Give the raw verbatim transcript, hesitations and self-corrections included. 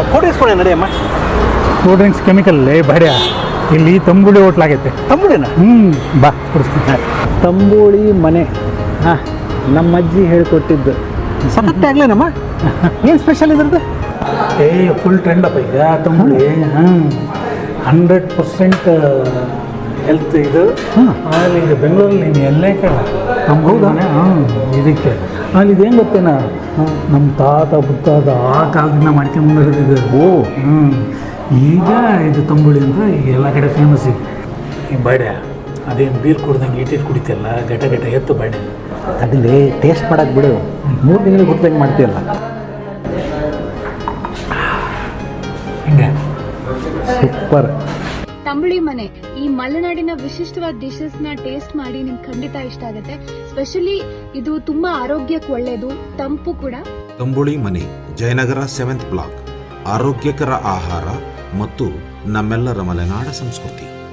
Photo ಇಸ್ಕೊಂಡೆ ನಡೆಯಮ್ಮ. Cool drinks chemical ಬಡ್ಯ ಇಲ್ಲಿ ತಂಬುಳಿ ಹೋಟ್ಲಾಗೈತೆ. ತಂಬುಳಿನ ಹ್ಞೂ ಬಾ ಕೊಡಿಸ್ತೀನಿ. ತಂಬುಳಿ ಮನೆ ಹಾಂ ನಮ್ಮ ಅಜ್ಜಿ ಹೇಳ್ಕೊಟ್ಟಿದ್ದು. ಸಖತ್ತೆ ಆಗ್ಲೇನಮ್ಮ. ಏನು ಸ್ಪೆಷಲ್ ಇದ್ರದ್ದು? ಏ ಫುಲ್ ಟ್ರೆಂಡ್ ಅಪ್ಪ ಈಗ ತಂಬುಳಿ. ಹಾಂ ಹಂಡ್ರೆಡ್ ಪರ್ಸೆಂಟ್ ಹೆಲ್ತ್ ಇದು. ಆಮೇಲೆ ಇದು ಬೆಂಗಳೂರಲ್ಲಿ ನೀನು ಎಲ್ಲೇ ಕೇಳ ನಮ್ಮ ಹೌದಾನೆ. ಹಾಂ ಇದಕ್ಕೆ ಆಮೇಲೆ ಇದೇನು ಗೊತ್ತೇನ ನಮ್ಮ ತಾತ ಮುತ್ತಾತ ಆ ಕಾಲದಿಂದ ಮಾಡ್ಕೊಂಡ್ಬಂದಿರೋದು ಇದು. ಓ ಹ್ಞೂ ಈಗ ಇದು ತಂಬುಳಿ ಅಂತ ಈಗ ಎಲ್ಲ ಕಡೆ ಫೇಮಸ್ ಈಗ. ಈ ಬಾಡ್ಯ ಅದೇನು ಬೀರ್ ಕುಡ್ದಂಗೆ ಇಟ್ಟಿಟ್ಟು ಕುಡಿತಿಯಲ್ಲ ಗಟ ಗಟ ಎತ್ತು ಬಾಡ್ಯ. ಅದಿಲ್ಲಿ ಟೇಸ್ಟ್ ಮಾಡಕ್ಕೆ ಬಿಡು. ಮೂರು ತಿಂಗಳಿಗೆ ಹುಟ್ಟದಂಗೆ ಮಾಡ್ತೀಯಲ್ಲ. ಹಿಂಗೆ ಸೂಪರ್. ತಂಬುಳಿ ಮನೆ ಈ ಮಲೆನಾಡಿನ ವಿಶಿಷ್ಟವಾದ ಡಿಶಸ್ ನ ಟೇಸ್ಟ್ ಮಾಡಿ ನಿಮ್ಗೆ ಖಂಡಿತ ಇಷ್ಟ ಆಗುತ್ತೆ. ಸ್ಪೆಷಲಿ ಇದು ತುಂಬಾ ಆರೋಗ್ಯಕ್ಕೆ ಒಳ್ಳೆಯದು, ತಂಪು ಕೂಡ. ತಂಬುಳಿ ಮನೆ, ಜಯನಗರ ಸೆವೆಂತ್ ಬ್ಲಾಕ್. ಆರೋಗ್ಯಕರ ಆಹಾರ ಮತ್ತು ನಮ್ಮೆಲ್ಲರ ಮಲೆನಾಡ ಸಂಸ್ಕೃತಿ.